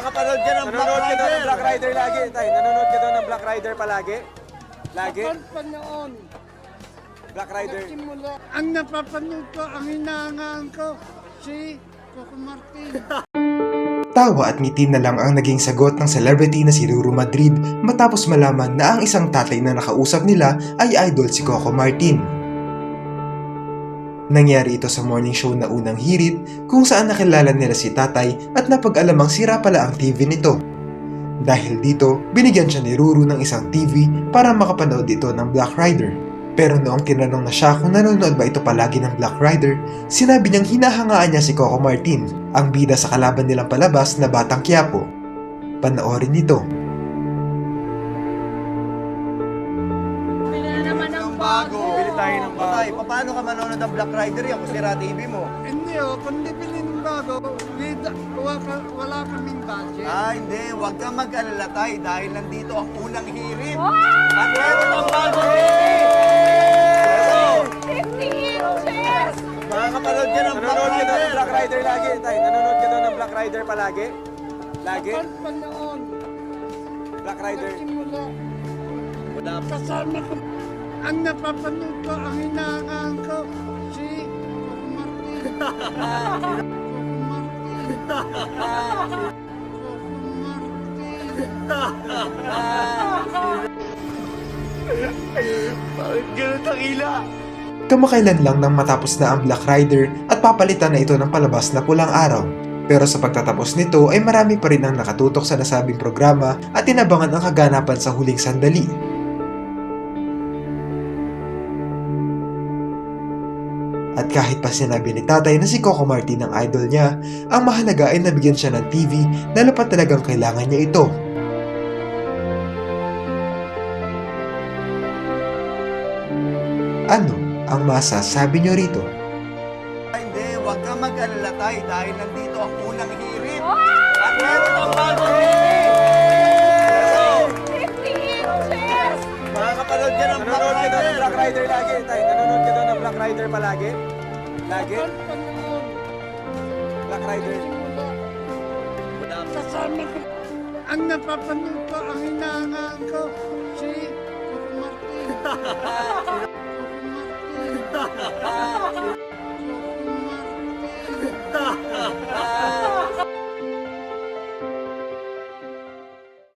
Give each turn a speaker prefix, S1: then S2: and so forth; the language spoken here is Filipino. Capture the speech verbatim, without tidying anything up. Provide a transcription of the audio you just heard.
S1: Makakapanood ka ng Black
S2: Nanonood ka daw
S1: Rider.
S2: ng Black Rider lagi, tay. Nanonood ka daw ng Black Rider palagi? Lagi?
S3: Kapag noon,
S2: Black Rider.
S3: nagsimula, ang napapanood ko, ang hinahangaan ko, si Coco Martin.
S4: Tawa at ngiti na lang ang naging sagot ng celebrity na si Ruru Madrid matapos malaman na ang isang tatay na nakausap nila ay idol si Coco Martin. Nangyari ito sa morning show na Unang Hirit kung saan nakilala nila si tatay at napag-alamang sira pala ang T V nito. Dahil dito, binigyan siya ni Ruru ng isang T V para makapanood ito ng Black Rider. Pero noong tinanong na siya kung nanonood ba ito palagi ng Black Rider, sinabi niyang hinahangaan niya si Coco Martin, ang bida sa kalaban nilang palabas na Batang Quiapo. Panoorin nito.
S3: Bili na naman ang
S1: Bago.
S2: Bili tayo ng bago.
S1: Patay, paano ka manonood ng Black Rider yan kung sira T V mo?
S3: Hindi oh, kundi bili ng bago, wala, wala, wala kaming budget.
S1: Ah, hindi. Huwag kang mag-alala tayo dahil nandito ang Unang Hirit. At meron ang bago
S5: fifty inches!
S1: Makakapanood ka ng Black
S2: Nanonood ka daw ng
S1: Rider.
S2: Black Rider lagi, tay. Nanonood ka daw ng Black Rider palagi? Lagi?
S3: Kapag noon,
S2: Black Rider.
S3: nagsimula,
S1: Wala pa.
S3: kasama ko, ang napapanood ko, ang hinahangaan ko, si Coco Martin. Coco Martin. Coco Martin.
S1: Bakit ganun ang ila?
S4: Kamakailan lang nang matapos na ang Black Rider at papalitan na ito ng palabas na Pulang Araw. Pero sa pagtatapos nito ay marami pa rin ang nakatutok sa nasabing programa at tinabangan ang kaganapan sa huling sandali. At kahit pa sinabi ni tatay na si Coco Martin ang idol niya, ang mahalaga ay nabigyan siya ng T V na dapat talagang kailangan niya ito. Ano ang masasabi niyo rito?
S1: Ah, Hindi, huwag kang mag-alala tayo dahil nandito ang Unang Hirit. At meron ang bago
S5: fifty inches!
S1: Makakapanood ka ng Black
S2: Nanonood ka daw ng
S1: Rider.
S2: Black Rider lagi, tay. Nanonood ka daw ng Black Rider palagi? Lagi?
S3: Kapag noon,
S2: Black Rider.
S3: nagsimula, kasama ko, ang napapanood ko, ang hinahangaan ko, si Coco Martin.